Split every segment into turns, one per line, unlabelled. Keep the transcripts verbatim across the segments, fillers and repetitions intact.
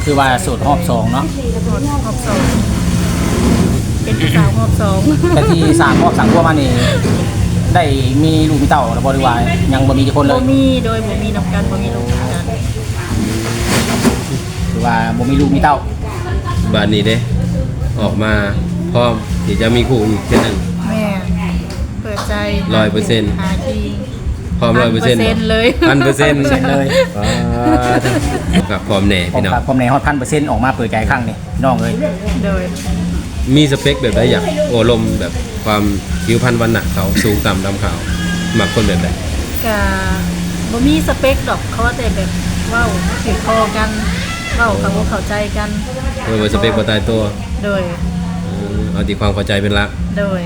คือว่าสูตรรอบสองเนาะ
รอบสองเป็นผู้สาวรอบสอง
แต่ที่สามรอบสั่งพวกมานี่ได้มีลูกมีเต่าหรือบริวารยังบ่มีกี่คนเลย
บ่มีโดยบ่มีนำกันบ่มีลูกกัน
คือว่าบ่มีลูกมีเต่า
บ้านนี้เด้ออกมาพร้อมที่จะมีคู่อีกเช่นนึง
แม่เปิดใจ
ร้อยเปอร์เซ็นต์
หาที
พร้อมร้อยเปอร์เซ็นต์
เลย
พันเปอร์เซ็นต์
เลย
กับพร้อมแน่พี่น้อง
พร้อมแน่ฮอดพันเปอร์เซ็นต์ออกมาเปิดใจครั้งนี่น้องเลย
โดย
มีสเปคแบบใดอยากโอลมแบบความผิวพรรณวันหนักเขาสูงต่ำดำขาวหมักคนแบบใด
กะบ่มีสเปคดอกเขาแต่แบบเว้าถือคอกันเว้าเขาเข้าใจกัน
เออสเปคบ่ตายตัว
โดย
เอาที่ความเข้าใจเป็นหลัก
โดย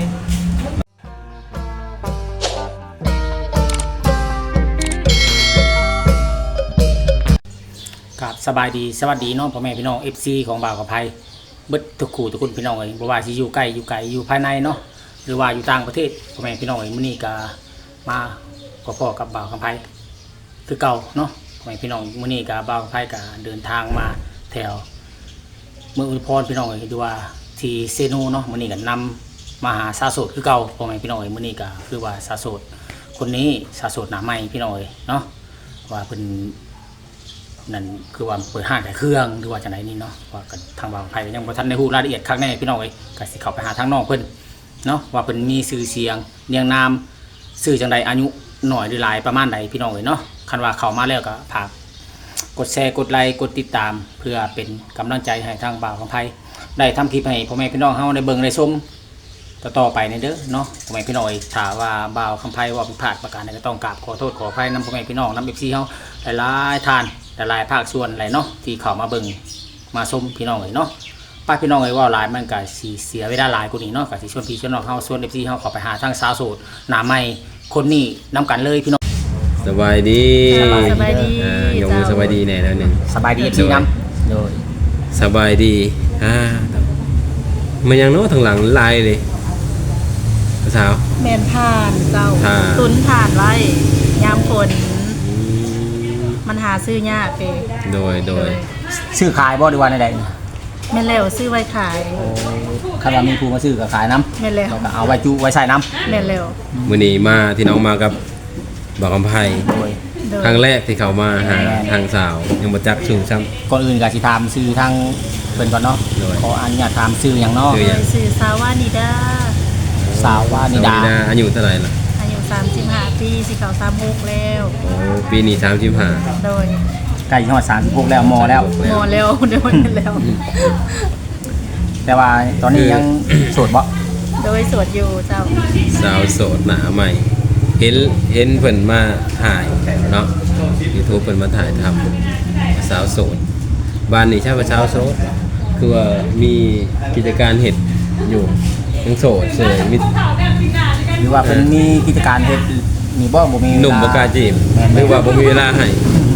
ครับสบายดีสวัสดีน้องพ่อแม่พี่น้อง เอฟ ซี ของบ่าวกับไพเบิดทุกคู่ทุกคนพี่น้องเอ้ยบ่ว่าสิอยู่ใกล้อยู่ไกลอยู่ภายในเนาะหรือว่าอยู่ต่างประเทศพ่อแม่พี่น้องเอ้ยมื้อนี้ก็มาพ่อๆกับบ่าวกับไพคือเก่าเนาะพ่อแม่พี่น้องมื้อนี้ก็บ่าวกับไพก็เดินทางมาแถวเมืองอุดรพรพี่น้องเอ้ยดูว่าที่เซโนเนาะมื้อนี้ก็นำมาหาสาวโสดคือเก่าพ่อแม่พี่น้องเอ้ยมื้อนี้ก็คือว่าสาวโสดคนนี้สาวโสดหน้าใหม่พี่น้องเอ้ยเนาะว่าเพิ่นนั่นคือว่าเปิดห้างขายเครื่องหรือว่าจังไดนี่เนาะว่ากันทางบางไผยังบ่ทันได้ฮู้รายละเอียดคักแน่พี่น้องเอ้ยก็สิเข้าไปหาทางน้องเพิ่นเนาะว่าเพิ่นมีชื่อเสียงเรียงนามชื่อจังไดอายุน้อยหรือหลายประมาณใดพี่น้องเอ้ยเนาะคันว่าเข้ามาแล้วก็ฝากกดแชร์กดไลค์กดติดตามเพื่อเป็นกำลังใจให้ทางบ่าวของไผได้ทำคลิปให้พ่อแม่พี่น้องเฮาได้เบิ่งได้ชมต่อๆไปในเด้อเนาะพ่อแม่พี่น้องเอ้ยถ้าว่าบ่าวคำไผว่าผิดพลาดประการใดก็ต้องกราบขอโทษขออภัยนำพ่อแม่พี่น้องนำ เอฟ ซี เฮาหลายๆท่านหลายภาคส่วนหลายเนาะที่เข้ามาเบิ่งมาชมพี่น้องเอ้ยเนาะป้าพี่น้องเอ้ยว่าหลายมันก็สิเสียเวลาหลายกว่านี้เนาะก็สิชวนพี่ชวนน้องเฮาชวน เอฟ ซี เฮาเข้าไปหาทางสาวโสดหน้าใหม่คนนี้นํกันเลยพี่น้อง
สบายดี
สบายดี
อ่ายกมือสบายดีแน่แล้วนึง
สบายดี เอฟ ซี นำโดย
สบายดีอ่ามันยังเนาะทางหลังลายเลยสาว
แม่นผ่านเจ้าตุนผ่านไว้ยามฝนมันหาซื้อยากเด้
โดยโดย
ซื้อขายบ่ดีว่าใด
ๆแม่นแล้วซื้อไว้ขาย
คันว่ามีผู้มาซื้อก็ขายนำ
แม่นแล้ว
ก็เอาไว้จุไว้ใส่นำ
แม่นแล้ว
มื้อนี้มาที่น้องมากับบ่าวคำไผครั้งแรกที่เขามาหาทางสาวยังบ่จักชื่อซ้ำ
ก่อนอื่นก็สิถามชื่อทางเพิ่นก่อนเนาะขออนุญาตถามชื่อหยังเนาะ
ชื่อสาวานิดา
สาวานิดา
อายุเท่าไหร่ล่ะ
อายุสามสิบห้าปีสิเข้าสามสิบหกแล้ว
โอ้ปีนี้สามสิบห้า
โดย
ใกล้ฮอดสามสิบหกแล้วมอแล้ว
มอแล้วเดี๋ยวแล้ว
แต่ว่าตอนนี้ยังโสดบ่
โดยโสดอยู่เจ้า
สาวโสดหน้าใหม่เห็นเห็นเพิ่นมาถ่ายเนาะ YouTube เพิ่นมาถ่ายทำสาวโสดบ้านนี้ใช่ว่าสาวโสดคือว่ามีกิจการเฮ็ดอยู่ยังโสดเสยมี
หรือว่าเป็นมีกิจการเฮ็ดมีบ่บ่มี
หนุ่มบ่กล้าจีบหรือว่าบ่มีเวลาให้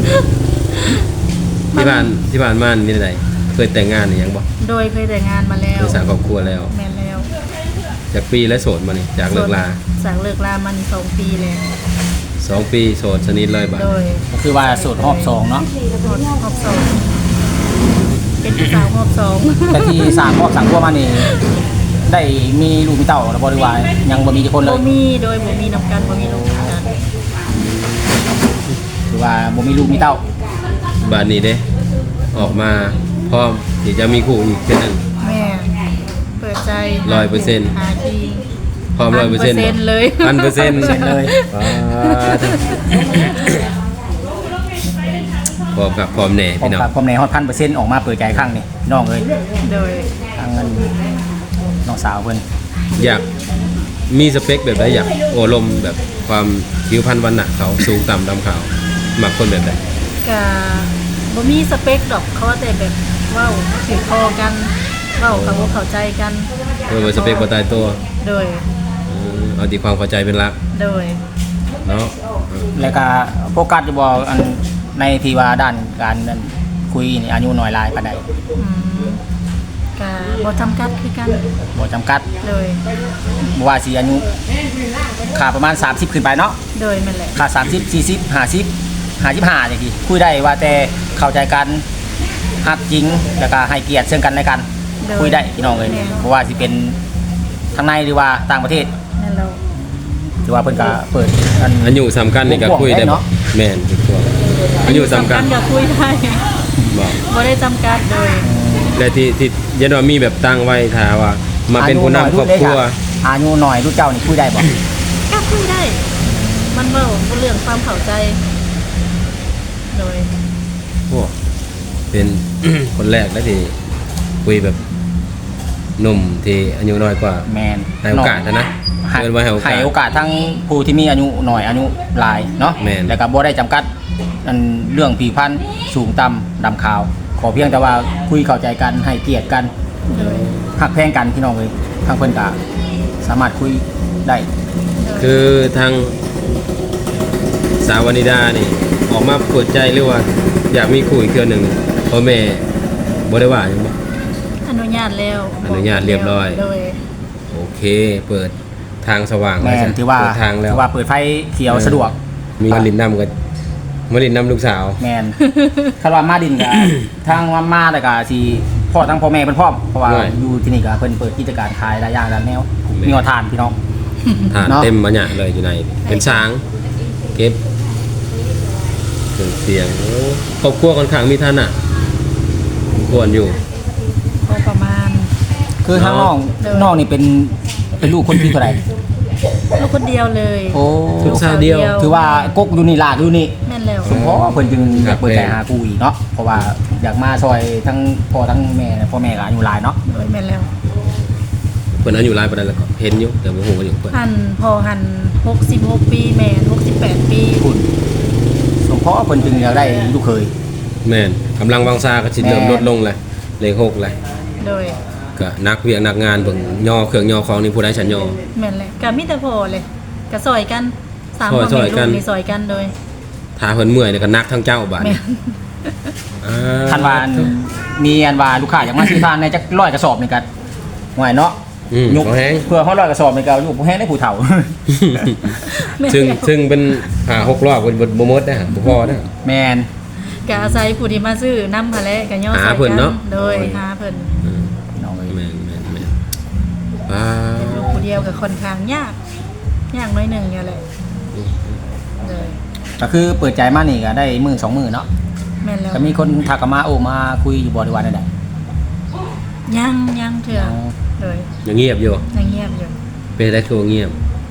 ที่บ้านที่บ้านมานี่ได้เคยแต่งงานหรือยังบ่
โดยเคยแต่งงานมาแล้ว
สร้างครอบครัวแล้ว
แม่นแล้ว
จากปีแล้วโสดมานี่จากเลิกลา
จากเลิกลามานี่สองปีแล้ว
สองปีโสดชนิดเลยบ่
โดย
ก็คือว่าโสดรอบสองเนาะ
โสดรอบสองเป็นผู้สาวรอบสอง
แต่ที่สร้างครอบสั่งพวกมานี่ได้มีลูกมีเต่าหรือบริวารยังบ่มีกี่คนเลย
บ่มีโดยบ่มีนำกันบ่มีลูกกัน
คือว่าบ่มีลูกมีเต่า
บ้านนี้เด้ออกมาพร้อมที่จะมีคู่อีกเช่นนึง
แม่เปิดใจ
ร้อยเปอร์เซ็นต์
หาที
พร้อมร้อยเปอร์เซ็นต์
เลย
พันเปอร์เซ็นต์
เลย
พร้อมกับพร้อมแน่พี่น้อง
พร้อมแน่ฮอดพันเปอร์เซ็นต์ออกมาเปิดใจครั้งนี่น้องเอ้ย
โดย
ทางนั้นน้องสาวเพิ่น
อยากมีสเปคแบบใดอยากโอลมแบบความผิวพรรณวันหนักเขาสูงต่ำดำขาวหมักคนแบบใด
ก็บ่มีสเปคดอกเขาแต่แบบเว้าถือคอกันเว้าเขาเข้าใจกัน
เออสเปคบ่ตายตัว
โดย
เอาที่ความเข้าใจเป็นหลัก
โดย
เนาะ
แล้วก็โฟกัสอยู่บ่อันในที่ว่าด้านการคุยนี่อายุน้อยหลายปานใด
อืมก็บ่จำกัดคือกัน
บ่จำกัด
เลย
บ่ว่าสิอายุค่าประมาณสามสิบขึ้นไปเนาะ
โดยแม่นแหละ
ค่าสามสิบ สี่สิบ ห้าสิบ ห้าสิบห้าจังซี่คุยได้ว่าแต่เข้าใจกันฮักจริงแล้วก็ให้เกียรติซึ่งกันและกัน
โดย
คุยได้พี่น้องเลย
แม่
เพราะว่าสิเป็นทางในหรือว่าต่างประเทศ
นั่นเรา
หรือว่าเพิ่นก็เปิดอัน
อันอยู่สำคัญนี่ก็คุยได้
เนาะ
แม่นทุกตัวอันอยู่สำคัญ
ก็คุยได้
บอก
บ่ได้จำกัดโดย
และที่ที่ยันว่ามีแบบตั้งไว้ถ้าว่า มาเป็นผู้นำครอบครัว
อายุหน่อยรุ่นเจ้านี่คุยได้บ่
ก็คุยได้ มันเว้าบ่เรื่องความเข้าใจ โดย
โอ้เป็น คนแรกแล้วที่คุยแบบหนุ่มที่อายุน้อยกว่า
แมน
ให้โอกาสนะนะ
ให้
เกินไว้ให้โอกาส
ให้โอกาสทั้งผู้ที่มีอายุหน่อยอายุหลายเนาะ
แม่น
แล้วก็บ่ได้จำกัดอันเรื่องผิวพรรณสูงต่ำดำขาว ขอเพียงแต่ว่าคุยเข้าใจกันให้เกียรติกัน
โดย
หักแพงกันพี่น้องเลยทางเพิ่นก็สามารถคุยได้
คือทางสาววนิดานี่ออกมาเปิดใจหรือว่า อยากมีคู่อีกเทื่อหนึ่งพ่อแม่บ่ได้ว่าหยังบ่
อนุญาตแล้ว
อนุญาตเรียบร้อย
โดย
โอเค เปิดทางสว่าง
แม่น
จ้ะ
ถือว่า
เปิดทางแล้ว
ถือว่าเปิดไฟเขียวสะดวก
มีมาลินนำกับมาลินนำลูกสาว
แมน คาร์วามาดินกับ ทางว่ามาแต่ก็สิพ่อทั้งพ่อแม่เพิ่นพร้อมเพราะว่า
ใช่
อยู่ที่นี่ก็เพิ่นเปิดกิจการขายหลายอย่างหลายแนว
แม่น
มีหัวทานพี่น้อง
ทาน
เนาะ
เต็มมาเนี่ยเลยอยู่ใน เป็นช้าง เก็บเครื่องเสียงโอ้ครอบครัวค่อนข้างมีฐานะควรอยู่
พอประมาณ
คือทางน้อง
เด้อ
น้องนี่เป็นเป็นลูกคนที่เท่าไหร่
ลูกคนเดียวเลย
โอ้
ลูกสาวเดียว
ถือว่ากกอยู่นี่ลากอยู่นี่
แม่นแล้ว
สมพอเพิ่นจึงอ
ครั
ยา
บ
กเปิดใจหากูอีกเนาะเพราะว่าอยากมาซอยทั้งพ่อทั้งแม่พ่อแม่ก็อายุหลายเนาะ
โดยแม่นแล้ว
เพิ่นอายุหลายปานนั้นแล้วก็เห็นอยู่แต่บ่ฮู้ว่าอยู่เพิ่น
หันพอหันหกสิบหกปีแม่นหกสิบแปดปี
คุณสมพอเพิ่นจึงอยากได้ลูกเคย
แม่นกำลังวังซาก็สิเริ่ม
แม่น
ลดลงเลยเลขหกเลย
โดย
ก็นักเวียกนักงานเบิ่งย่อเครื่องย่อของนี่ผู้ใดฉันย่อ
แม่นเลยก็มีแต่พอเลยก็ซอยกันสาม
ซอย
คน
ซอยกัน
มีซอยกันโดย
ถ้าเพิ่นเมื่อยเนี่ยก็นักทั้งเจ้าบาด
แม่
นี้
น
อ่า
คันว่ามีอันว่าลูกค้าอยากมาซื้อทานในจักร้อยกระสอบนี่ก็ห่วยเนาะ
อืม
ยก
บ่แห้ง
เพื่อเฮาร้อยกระสอบนี่ก็อยู่ผู้แห้งได้ผู้เฒ่า
แม่น
ซึ่ง
แล้ว
ซึ่งเป็นหาหกรอบเป็นบ่หมดนะบ่พอนะ
แมน
ก็อาศัยผู้ที่มาซื้อน้ำพะและก็ย่อ
หา
ใส่
เพิ่น
กั
เนาะ
โดยหาเพิ่น
อืม
พี่น้องเอ้ย
แม่นแม่นแม่นอ่า
เป็นลูกผู้เดียวกับค่อนข้างยากยากน้อยหนึ่งอย่างไรเลย
ก็คือเปิดใจมานี่ก็ได้มือสองมือเนาะ
แม่นแล้ว
ก็มีคนทักกันมาโอ้มาคุยอยู่บ่ได้ว่าได้
ยังยังเถื่อเลย
ยังเงียบอยู่
ยังเงียบอยู่
เป็นได้คือว่าเงียบ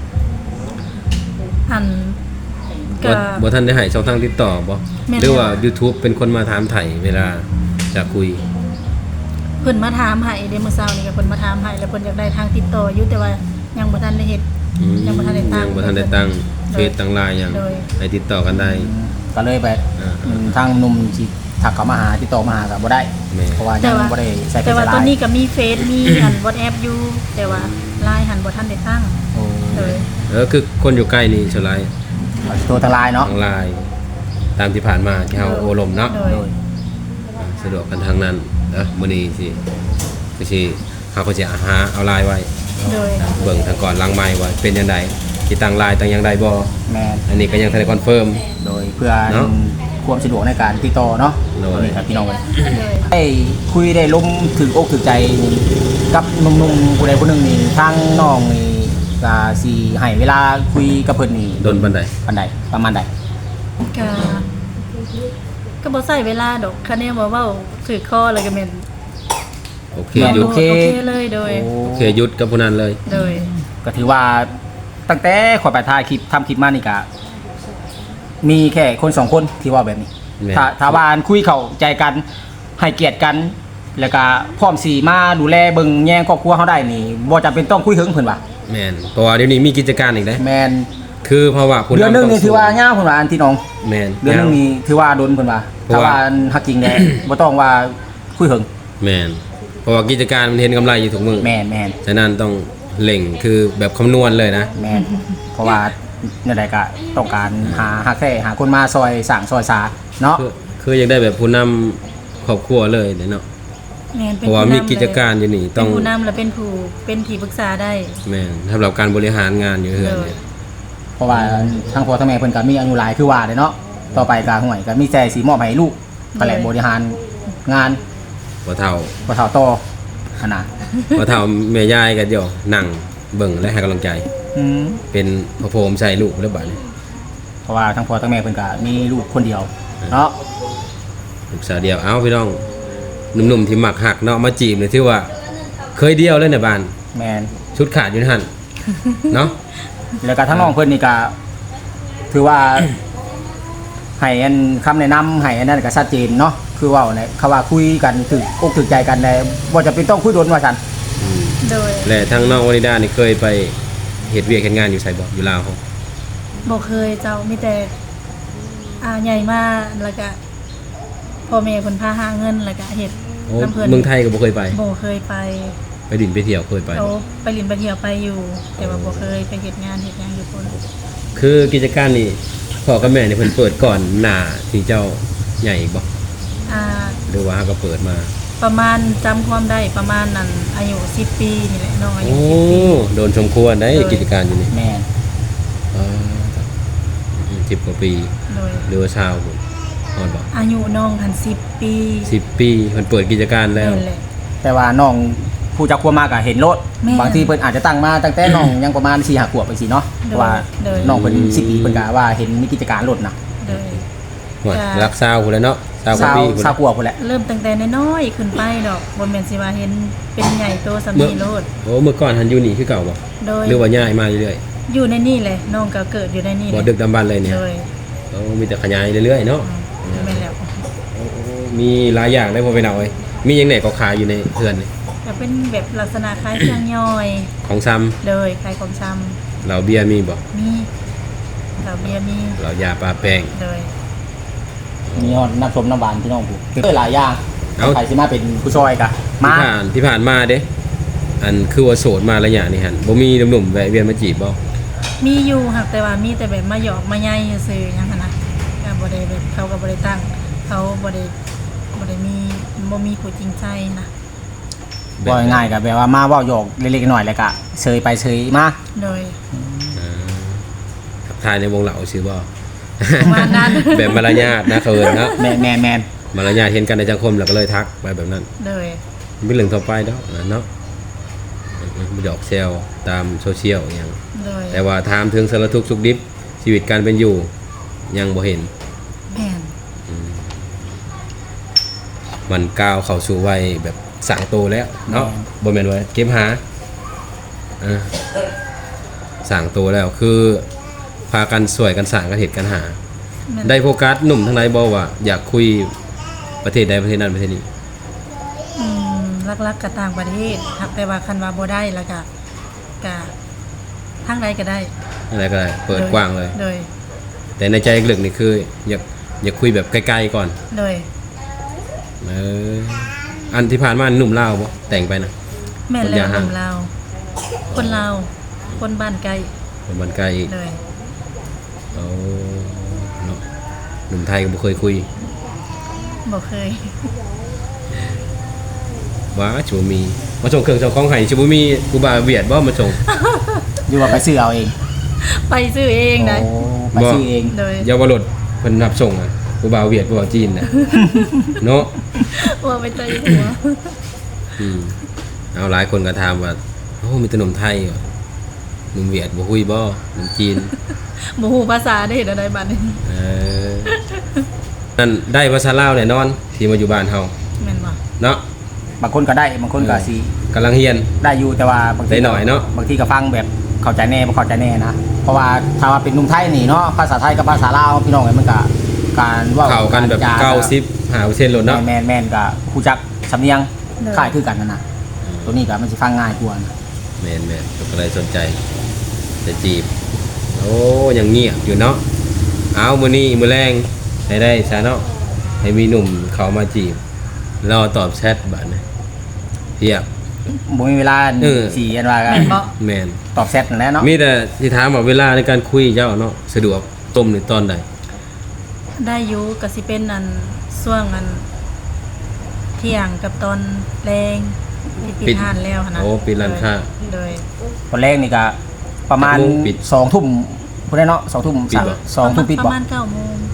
อันก็
บ่บ่ทันได้ให้ช่องทางติดต่อบ่
แม่น
หรือว่า YouTube เป็นคนมาถามไถ่เวลาจะคุย
เพิ่นมาถามให้เดมอเซานี่ก็เพิ่นมาถามให้แล้วเพิ่นอยากได้ทางติดต่ออยู่แต่ว่ายังบ่ทันได้เฮ็ด
อืม
ยังบ่ทันได้ตั้ง
ยังบ่ทันได้ตั้งเฟซตั้งไลน์ยัง
โดย
ให้ติดต่อกันได้
ก็เลยไป
อ่า
อืมทางหนุ่มสิทักเข้ามาหาติดต่อมาหาก็บ่ได้
แม่
เพราะว่า
แต่
ยัง
ว่า
บ่ได้ใส่เฟ
แต่
ซ
ว่า
ไล
ตอน
น์
นี้ก็มีเฟซมีอัน WhatsApp อยู่แต่ว่าไลน์หันบ่ทันได้ตั้ง
โอ้
เลย
เออคือคนอยู่ใกล้นี่สไลด์
เอาตัวทางไลน์เนาะ
ทางไลน์ตามที่ผ่านมาที่เฮาโอลมเนาะ
โดย
โดย
อ่าสะดวกกันทางนั้นเด้อมื้อนี้สิก็สิเฮาก็สิหาเอาไลน์ไว้
โดย
เบิ่งทางก่อนหลังไม้ว่าเป็นจังไดสิตั้งไลน์ตั้งหยังได้บ่
แมน
อันนี้ก็ยังทันได้คอนเฟิร์ม
โดยเพื่อ
เนาะ
ความสะดวกในการติดต่อเนาะ
โดย
นี่ครับพี่น้องเอ้ย
โดย
ได้คุยได้ล้มถึงอกถึงใจกับหนุ่มๆผู้ใดผู้หนึ่งนี่ทางน้องนี่ก็สิให้เวลาคุยกับเพิ่นนี่
โดนปานใด
ปานใดประมาณใด
ก็ก็บ่ใส่เวลาดอกคะแนนบ่เว้าถือข้อเลยก็แม่น
โอเค
แม่น
หยุด
โอเคเลยโดย
โอ้
โอเคหยุดกับผู้นั้นเลย
โดย
ก็ถือว่าตั้งแต่ข่อยไปถ่ายคลิปทำคลิปมานี่ก็มีแค่คนสองคนที่ว่าแบบนี้
แม่น
ถ้าถ้าว่าคุยเข้าใจกันให้เกียรติกัน แล้วก็พร้อมสีมาดูแลเบิ่งแย่งครอบครัวเขาได้นี่บ่จำเป็นต้องคุยถึงเพิ่นว่า
แม่นเพราะว่าเดี๋ยวนี้มีกิจการอีกเด้
แมน
คือเพราะว่าผู้
เดือนหนึง
ต้
นี่ถือว่ายาวเพิ่นว่าอันที่น้อง
แม่น
เดือนหนึงนี่ถือว่าโดนเพิ่นว่า
เพราะ
ถ้า
ว่า
ว่าฮักจริงแน่ บ่ต้องว่าคุยถึง
แม่นเพราะว่ากิจการมันเห็นกำไรอยู่ทุกมื้อ
แม่นแม่น
ฉะนั้นต้องเล่งคือแบบคำนวณเลยนะ
แม่นเพราะว่าเนี่ยใดก็ต้องการหาฮักแท้หาคนมาซอยสร้างซอยสาเนาะ
คือคืออยากได้แบบผู้นำครอบครัวเลยเนาะ
แม่น
เพ
เป็น
ราะว่า
ผู้
มี
นำ
กิจการอยู่นี่
เลย
ต้อง
เป็นผู้นำและเป็นผู้เป็นที่ปรึกษาได้
แม่นสำหรับการบริหารงานอยู่เฮือนเนี่ย
เพราะว่าทางพ่อทางแม่เพิ่นก็มีอายุหลายคือว่าเด้เนาะต่อไปก็ห่วยก็มีแต่สิมอบให้ลูกก็แหละบริหารงาน
บ่เฒ่า
บ่เท่าต่อขนาด
บ่เฒ่าแม่ยายก็เดี๋ยวนั่งเบิ่งและให้กำลังใจ
อืม
เป็นพระโพรหมใส่ลูกแล้วบัดนี้
เพราะว่าทั้งพ่อทั้งแม่เพิ่นก็มีลูกคนเดียวเนาะ
ลูกสาวเดียวเอ้าพี่น้องหนุ่มๆที่มักหักเนาะมาจีบนี่ถือว่าเคยเดียวเลยในบ้าน
แม่น
ชุดขาดอยู่หั่นเนาะ
แล้วก็ทั้งน้องเพิ่นนี่ก็ถือว่า ให้อันคำแนะนำให้อันนั้นก็ชัดเจนเนาะคือเว้าเนี่ยเขาว่าคุยกันถึกอกถึกใจกันได้บ่จะเป็นต้องคุยโดนว่าซั่น
อืม
โดย
และทั้งน้องวนิดานี่เคยไปเฮ็ดเวียกเฮ็ดงานอยู่ไสบ่อยู่ลาวเฮา
บ่เคยเจ้ามีแต่อ่าใหญ่มาแล้วก็พ่อแม่เพิ่นพาหาเงินแล้วก็เฮ็ด
โอ้
น้ำเพิ่น
เมืองไทยก็บ่เคยไป
บ่เคยไป
ไปดินไปเที่ยวเคยไป
เขา
บ่
ไปลินไปเที่ยวไปอยู่ แต่ว่าบ่เคยไปเฮ็ดงานเฮ็ดหยังอยู่พุ่น
คือกิจการนี่พ่อกับแม่นี่เพิ่นเปิดก่อนหน้าที่เจ้าใหญ่อีกบ่
อ่า
หรือว่าก็เปิดมา
ประมาณจำความได้ประมาณนั้นอายุสิบปีนี่แหละน้องอายุ
โอ้
สิบปี
โดนสมควรได้
โดย
กิจการอยู่นี่
แม่น
อ่าสิบกว่าปี
โดย
หรือว่าชาวพุ่นฮอดบ่
อายุน้องทันสิบปี
สิบปีเพิ่นเปิดกิจการแล้ว
นั่นแหละ
แต่ว่าน้องผู้จักความมากก็เห็นโลด
แม่น
บางทีเพิ่นอาจจะตั้งมาตั้งแต่น้องยังประมาณสี่ห้าขวบไปสิเนาะเพราะว่า
โดย
น้องเพิ่นสิบปีเพิ่นก็ว่าเห็นมีกิจการรถนะ
โดย
ว่า
จ้ะ
รักษาวพุ่นแหล้วเนาะชาวกว่า
สาว
ปีพุ่น
สาวขวบพุ่นแหละ
เริ่มตั้งแต่น้อยๆขึ้นไปดอกบ่แม่นสิว่าเห็นเป็นใหญ่โตสำนีโลด
โอ้เมื่อก่อนหันอยู่นี่คือเก่าบ่
โดย
หรือว่าย้ายมาเรื่อย
อยู่ในนี่เลยน้องก็เกิดอยู่ในนี่
ๆ
เล
บ่
ย
ดึกดำบรรพ์เลยเนี่ย
โดย
โอ้มีแต่ขยายเรื่อยๆเนาะ
อืมแม่นแล้ว
โอ้มีหลายอย่างได้พอไปเอาเอ้ยมีหยังไหนก็ขายอยู่ในเฮือนนี่
ก็เป็นแบบลักษณะคล้ายเครื่องย่อย
ของซ้ำ
โดยคล้ายของชำ
เหล้าเบียร์มีบ่
มีเหล้าเบียร์มี
เหล้ายาปลาแป้ง
โดย
มีฮอดน้ำส้มน้ำหวานพี่น้องผู้เอ้ยหลายอย่าง
เอ้า
ใครสิมาเป็นผู้ช่วยกะ
ที่
มา
ผ่านที่ผ่านมาเด้อันคือว่าโสดมาระยะนี่หั่นบ่มีหนุ่มๆแวะเวียนมาจีบบ่
มีอยู่ครับแต่ว่ามีแต่แบบมาหยอกมาใยซื่อๆหยังหั้นนะก็บ่ได้แบบเขาก็บ่ได้ตั้ง เขาบ่ได้บ่ได้มีบ่มีผู้จริงใจนะ
บ่ง่ายๆก็แบบว่ามาเว้าหยอกเล็กๆน้อยๆแล้วก็เชยไปเชยมา
โดย
อ่าทักทายในวงเหล่าชื่อบ่
ประมาณนั้น
แบบมารยาทนะเขินเนาะ
แม่นแม่นแม่น
มารยาทเห็นกันในสังคมแล้วก็เลยทักไปแบบนั้น
โดย
เป็นเรื่องต่อไปเนาะนะเนาะหยอกแซวตามโซเชียลอย่าง
โดย
แต่ว่าถามถึงสารทุกข์สุขดิบชีวิตการเป็นอยู่ยังบ่เห็น
แม่น
มันก้าวเข้าสู่วัยแบบสั่งโตแล้วเนาะบ่แม่นว่าเก็บหาอ่าสั่งโตแล้วคือพากันสวยกันสร้างกันเหตุกันหา
แม่น
ได้โฟกัสหนุ่มทั้งหลายบอกว่าอยากคุยประเทศใดประเทศนั้นประเทศนี้
อืมลักๆกับต่างประเทศครับแต่ว่าคันว่าบ่ได้แล้วก็ก็ทางใดก็ได้
อะไรก็ได้เปิดกว้างเลย
โดย
แต่ในใจลึกๆนี่คืออยากอยากคุยแบบใกล้ๆก่อน
โดย
เอออันที่ผ่านมาหนุ่มลาวบ่แต่งไปนะ
แม่น
คน
แล้
ยาว ห่าง
คนลาวคนลาวคนบ้านไกล
คนบ้านไกลอีก
โดย
เอาเนาะหนุ่มไทยก็บ่เคยคุย
บ่เคย
ว่าชูมีมาส่งเครื่องเจ้าของให้ชูบ่มีกูบาเวียดบ่มาส่ง
อยู่ว่าไปซื้อเอาเอง
ไปซื้อเองได้
โอ้ไปซื้อเอง
โดย
เยาวรถเพิ่นรับส่งอ่ะกูบาเวียดกูบาจีนน่ะ เนาะ
ว่าไปเตยหัว
อืมเอาหลายคนก็ถามว่าโอ้มีแต่หนุ่มไทยเหรอหนุ่มเวียดบ่คุยบ่หนุ่มจีน
บ่ฮู้ภาษาได้เห็นอะไรบัดนี้
เออนั่นได้ภาษาลาวแน่นอนที่มาอยู่บ้านเฮา
แม่นบ่
เนาะ
บางคนก็ได้บางคนก็สิ
กำลังเฮียน
ได้อยู่แต่ว่าบางที
ได้หน่อยเนาะ
บางทีก็ฟังแบบเข้าใจแน่บ่เข้าใจแน่นะเพราะว่าถ้าว่าเป็นหนุ่มไทยนี่เนาะภาษาไทยกับภาษาลาวพี่น้องเอ้ยมันก็การเว้า
เข้ากันแบบ
จ
เก้าสิบห้าเปอร์เซ็นต์โลดเนาะ
แม่นๆแม่นก็ฮู้จักสำเนียงคล้ายคือกันนั่นน่ะตัวนี้ก็มันสิฟังง่ายกว่านะ
แม่นแม่นก็เลยสนใจจะจีบ โอ้ยังเงียบอยู่เนาะเอามื้อนี้มื้อแรงให้ได้ซะเนาะให้มีหนุ่มเขามาจีบรอตอบแชทบัดนะเพียบ
บ่มีเวลา
เออ
สิอันว่า
แม่นบ่
แม่น
ตอบแชทนั่นแหละเนาะ
มีแต่ที่ถามว่าเวลาในการคุยเจ้าเนาะสะดวกต้มในตอนใด
ได้อยู่ก็สิเป็นอันช่วงอันเที่ยงกับตอนแรงที่ปิดห้านแล้วหั่นนะ
โอ้ปิดร้านค้า
โดย
ตอนแรกนี่ก็ประมาณ
จักโมงปิด
สองทุ่มพุ่นได้เนาะสองทุ่ม
ปิดบ่
สองทุ่มปิด
ป
บ่
ระมาณเก้าโมง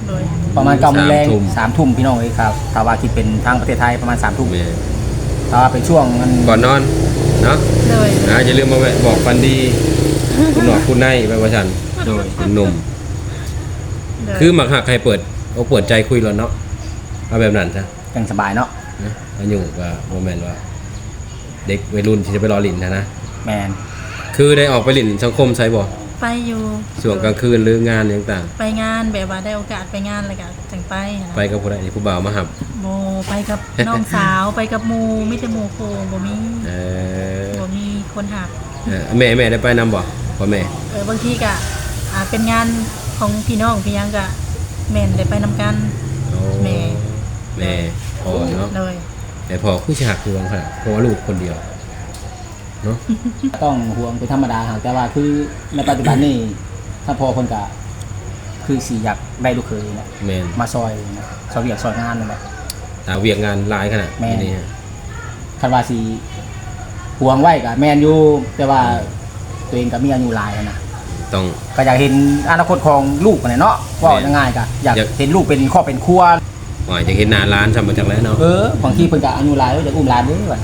โดย
ประมาณเก้าโมงแรง
สามทุ่ม
สามทุ่มพี่น้องเอ้ยครับถ้าว่าคิดเป็นทางประเทศไทยประมาณสามทุ่ม
แม่
ถ้าว่าเป็นช่วงมัน
ก่อนนอนเนาะ
โดย
อ่าอย่าลืมมาแวะบอกฟันดีคุณหนอกคุณในไปว่าฉัน
โดย
คุณหนุ่ม
โดย
คือหมักหักใครเปิดเอาเปิดใจคุยแล้วเนาะเอาแบบนั้นซะ
ยังสบายเนาะ
นะอายุก็โมเมนต์ว่า เด็กวัยรุ่นที่จะไปรอลินนะนะ
แมน
คือได้ออกไปลินสังคมใช่บ่
ไปอยู่
ช่วงกลางคืนหรืองานต่าง
ไปงานแบบว่าได้โอกาสไปงานอะไรก็จังไปนะ
ๆไปกับผู้ใดผู้บ่าวมาหับ
โมไปกับน้องสาวไปกับหมูไม่แต่หมูโคบ่มี
เออ
บ่มีคนหัก
เออแม่แม่ได้ไปนำบ่พ่อแม่
เออบางทีก็อ่าเป็นงานของพี่น้องพี่ยังก็แม่นได้ไปนำกัน
โอ้
แม่
แม่พ่อเนาะ
เลย
แต่พ่อคือฉากคือวังค่ะเพราะว่าลูกคนเดียวเนาะ
ต้องห่วงเป็นธรรมดาครับแต่ว่าคือในปัจจุบันนี่ถ้าพอคนกะคือสีอยากได้ลูกเคยนะ
แม่น
มาซอยนะซอยเวียกซอยงานนั่นแหละ
ตาเวียกงานหลายขนาด
แม่น
นี้ฮะ
คันว่าสีห่วงไว้กับแมนอยู่แต่ว่าตัวเองก็มีอายุหลายแล้วนะ
ต้อง
ก็อยากเห็นอนาคตของลูกกันเนาะว่า
แม่น
ง่ายๆก็อยาก
อยาก
เห็นลูกเป็นครอบเป็นครัว
ว่าจะเห็นหน้าร้านทำมาจากแล้วเนาะ
เออบางทีเพิ่นก็อายุหลายแล้วจะอุ้มหลานเด้อว่ะ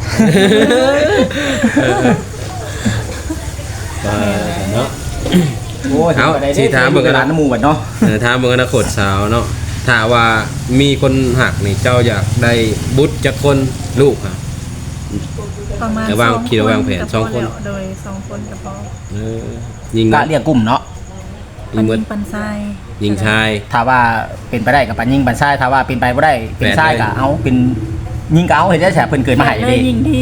เออเนาะ
โอ้ย
เอา
พิ่นก็ได้
สิถามเบิ่งกัน
หลานน้ำหมู่บัดเนาะ
เออถ้าเมืองอนาคตสาวเนาะถ้าว่ามีคนหักนี่เจ้าอยากได้บุตรจากคนลูกครับ
ประมาณ
แต่วาง
สอง
คิดว่าวางแผน
ก็พ
สองคน
แล้วโดยสองคนก็พอ
เออยิง
ก็
เนาะ
เรียกกลุ่มเนาะ
ยิงเบิด
ปันทราย
ยิงชาย
ถ้าว่าเป็นไปได้กับปันยิงปันซ้ายถ้าว่าเป็นไปบ่ได้เป็นซ้ายก็เอาเป็นยิงก็เอาเห็นได้แฉเพิ่นเกิดมาให้
เล
เด้
ยยิงดี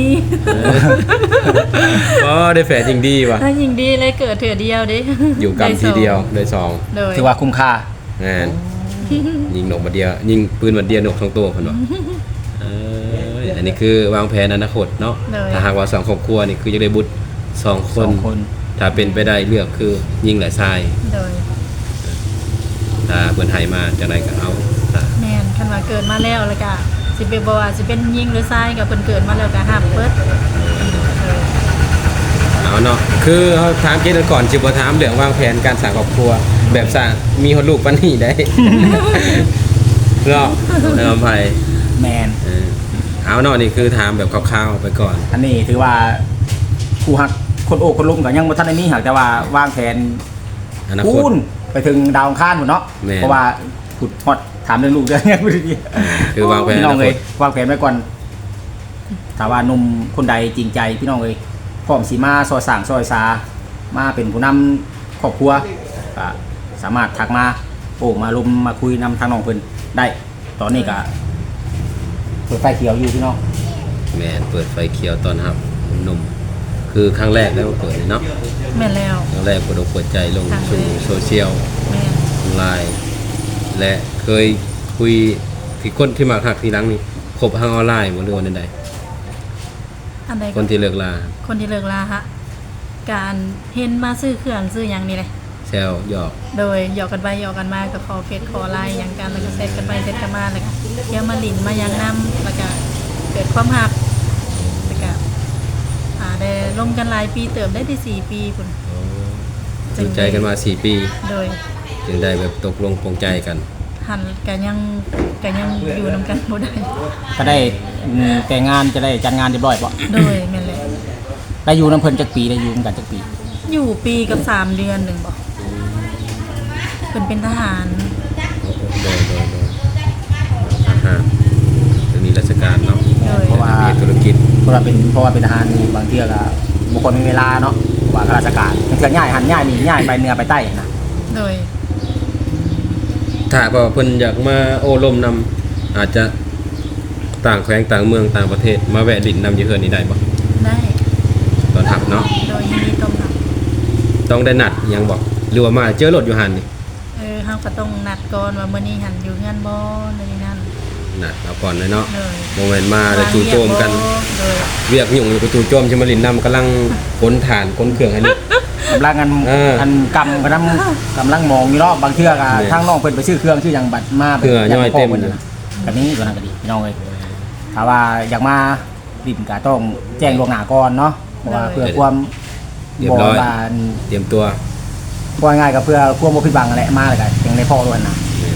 ก็ได้แฝดยิงดีว่ะ
ถ้ายิงดีเลยเกิดเถื่อเดียวเด้
อยู่กรรมทีเดียวได้สอง
โดย
ถือว่าคุ้มค่าง
านยิงหนกมาเดียวยิงปืนมาเดียวหนกทั้งตัวเพิ่นว่าเอออันนี้คือวางแผนอนาคตเนาะถ้าหากว่าสองครอบครัวนี่คือจะได้บุตรสองค
ส
น
องคน
ถ้าเป็นไปได้เลือกคือยิงหลายทราย
โดย
ถ้าเพิ่นให้มาจังไดก็เอาถ้า
แม่นคันว่าเกิดมาแล้วแล้วก็สิเป็นบ่ว่าสิเป็นยิงหรือทรายกับเพิ่นเกิดมาแล้วก็ห้ามเปิดเออ
เอาเนาะคือเขาถามเกณฑ์ก่อนจิบถามเรื่องวางแผนการสร้างครอบครัว แบบสร้างมีคนลูกปานนี้ได้ เนาะเอาไป
แมน
เออเอาเนาะนี่คือถามแบบคร่าวๆไปก่อน
อันนี้ถือว่าผู้หักคนโอ้คนลุ่มก็ยังบ่ทันได้มีหักแต่ว่าวางแผน
อนาคต
คูณไปถึงดาวอังคารพุ่นเนาะ
แม่น
เพราะว่าขุดฮอดถามเรื่องลูกเด้อยังบ่ได้ดี
คือวางแผน
พี่
อ
น้อง
นาค
เอ้
ต
ยวางแผนไว้ก่อนถ้าว่าหนุ่มคนใดจริงใจพี่น้องเอ้ยพร้อมสิมาซอยสร้างซอยสามาเป็นผู้นำครอบครัวก็สามารถทักมาโอ้มาลมมาคุยนำทางน้องเพิ่นได้ ตอนนี้ก็เปิดไฟเขียวอยู่พี่น้อง
แม่นเปิดไฟเขียวตอนรับหนุ่มคือครั้งแรกแล้วเปิดเลยเนาะ
แม่นแล้ว
ครั้งแรกเปิดอกเปิดใจลง
ครั้งแรก
สู่โซเชียล
แม่น
ออนไลน์และเคยคุยที่คนที่มาหักทีหลังนี่คบทางออนไลน์บ่หรือว่าใด
อันใด
ๆค
ก็
นที่เลิกลา
คนที่เลิกลาฮะการเห็นมาซื้อเครื่องซื้อหยังนี่เลย
แซวหยอก
โดยหยอกกันไปหยอกกันมาก็ขอเฟซขอไลน์หยังกันแล้วก็เซตกันไปเซตกันมาแล้วก็เที่ยวมาหลินมายังนำแล้วก็เกิดความหักแล้วก็อ่าได้ลงกันหลายปีเติมได้ที่สี่ปีพุ่น
อยู่ใจกันมาสี่ปี
โดย
จึงได้แบบตกลงปรงใจกัน
หันกันยังกันยังอยู่นำกันบ่ได้
ก็ได้อืมแต่งงานจะได้จัดงานเรียบร้อยบ่
โดยแม่นแหละ
ได้อยู่น้ำเพิ่นจักปีได้อยู่กันจักปี
อยู่ปีกับสามเดือนหนึ่งบอกเพิ่นเป็นทหาร
โดยโดยโดยอาหารจะมีราชการเนาะ
โดย
เพราะว่า
มีธุรกิจ
เพราะว่าเป็นเพราะว่าเป็นทหารนี่บางเที่ยก็บุคคลมีเวลาเนาะเพราะว่าข้าราชการบางเที่ยง่ายหันง่ายนี่ง่ายไปเหนือไปใต้นะ
โดย
ถ้าว่าเพิ่นอยากมาโอ้ลมนำอาจจะต่างแขวงต่างเมืองต่างประเทศมาแวะดินนำอยู่เฮือนนี่ได้บ่
ได้
ตอนทับเนาะ
โดยยินดีต้อนรับ
ต้องได้นัดอิหยังบอกหรือว่ามาเจอรถอยู่หันนี่
เออเฮาก็ต้องนัดก่อนว่ามื้อนี้หันอยู่งานบ่ในนี้นั่น
นัดเอาก่อนเลยเนาะ
เลย
โมเมนต์มาแล้วจู่โจมกัน
โดย
เวียกยุ่งอยู่กับจู่โจมชิมาลินนำกำลังขนฐานขนเครื่องให้นี่
กำลังกัน
เอออั
อันกำกำลังกำลังมองอยู่เนาะบางเที่ยก็
เนี่ย
ทางน้องเพิ่นไปซื้อเครื่องชื่อหยังบัตรมา
เครื่องย่อยเต็ม
พิ่นนะแบบนี้ตัวนั้นก็ดีพี่น้องเอ้ยถ้าว่าอยากมาดินก็ต้องแจ้งล่วงหน้าก่อนเนาะเพราะว่าเพื่อความ
เรียบร้อย
บาน
เตรียมตัว
ว่าง่ายก็เพื่อความบ่ผิดหวังนั่นแหละมาแล้วก็ยังได้พ่อด้วยนะ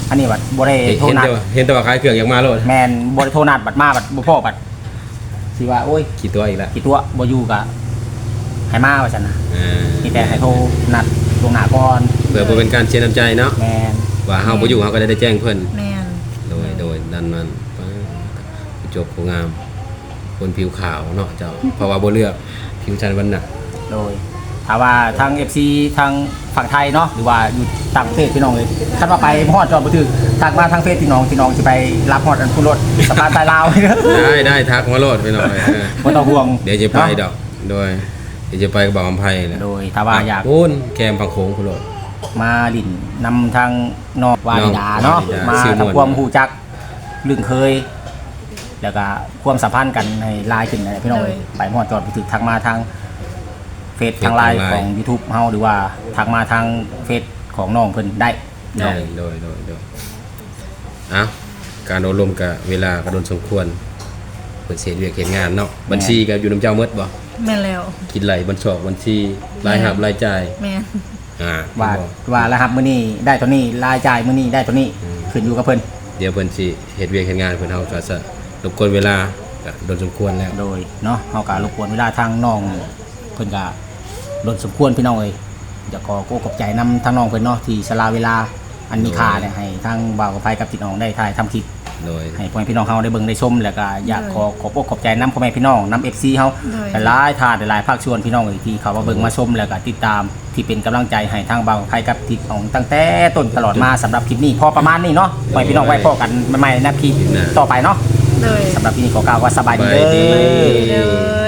อันนี้บัดบ่ได้
เห็น
โทรนัด
แต่ว่าเห็นแต่ว่าขายเครื่องอยากมาโลด
แม่นบ่ได้โทรนัดบัดมาบัดบ่พอบัดสิว่าโอ้ย
กี่ตัวอีกแล้ว
กี่ตัวบ่อยู่ก็ให้มาว่าซั่นน่ะ
อ่า
มีแต่ให้โทรนัดล่วงหน้าก่อน
เพื่อบ่เป็นการเชียร์น้ำใจเนาะ
แม่น
ว่าเฮาบ่อยู่เฮาก็ได้แจ้งเพิ่น
แม่น
โดยโดยดันนั้นป๊าดจบผู้งาม คนผิวขาวเนาะเจ้าเพราะว่าบ่เลือกผิวชันวันหนัก
โดยถ้าว่าทาง เอฟ ซี ทางฝั่งไทยเนาะหรือว่าอยู่ต่างประเทศพี่น้องเลยคันว่าไปฮอดจอดบ่ถึกทักมาทางเฟซพี่น้องพี่น้องสิไปรับฮอดอันผู้รถสะพานใต้ลาว
ได้ได้ทักมาโลดไปหน่อยเออ
บ่ต้องห่วง
เดี๋ยวจะไป
เนาะ
ดอกโดยเดี๋ยวจะไปกับบ่าวอำไพแหละ
โดยถ้าว่าอยาก
พูนแคมฝั่งโค้งพุ่นโลด
มาดินนำทางนอกวาลิดาเนาะ
วาลิดา
มา
ชื่อม่วน
ทำความฮู้จักลึงเคย แล้วก็ความสัมพันธ์กันให้ลายขึ้นนะพี่น้องเอ้ยไปฮอดจอดบ่ถึกทักมาทางเฟซทางไลน์ของ YouTube เฮาหรือว่าทักมาทางเฟซของน้องเพิ่นได้
ได้
เนาะ
โดยโดยโดยเอ้าการอบรมกับเวลากระโดนสมควรเปิดเสียเรียกเห็นงานเนาะบัญชีกับอยู่น้ำเจ้าเมดบ่
แม่นแล้ว
คิดไหลบัญชอกบัญชีรายหับรายจ่าย
แม่น
อ่า
ว่า
บ่
ว่ารหัสมื้อนี้ได้ตัวนี้รายจ่ายมื้อนี้ได้ตัวนี้
อืม
ขึ้นอยู่กับเพิ่น
เดี๋ยวเพิ่นสิเฮ็ดเวียกเฮ็ดงานเพิ่นเฮาก็จะรบกวนเวลาก็โดนสมควรแล้ว
โดยเนาะเฮาก็รบกวนเวลาทางน้องเพิ่นก็ลดสมควรพี่น้องเอ้ยอยากขอโกขอบใจนำทางน้องเพิ่นเนาะที่สละเวลาอันมีค่าเนี่ยให้ทางบ่าวกับไผกับพี่น้องได้ถ่ายทำคลิป
โดย
ให้พ่อแม่พี่น้องเฮาได้เบิ่งได้ชมแล้วก็อยากขอขอบอกขอบใจนำพ่อแม่พี่น้องนำ เอฟ ซี เฮา
โดย
หลายๆท่านหลายๆภาคส่วนพี่น้องเอ้ยที่เขามาเบิ่งมาชมแล้วก็ติดตามที่เป็นกำลังใจให้ทางบ่าวกับไผกับพี่น้องตั้งแต่ต้นตลอดมาสำหรับคลิปนี้พอประมาณนี้เนาะไว้พี่น้องไว้พอกันใหม่ๆในคลิปต่อไปเนาะ
โดย
สำหรับที่นี่ขอกล่าวว่าสบายดี
สบายดี
เด้อ
เลย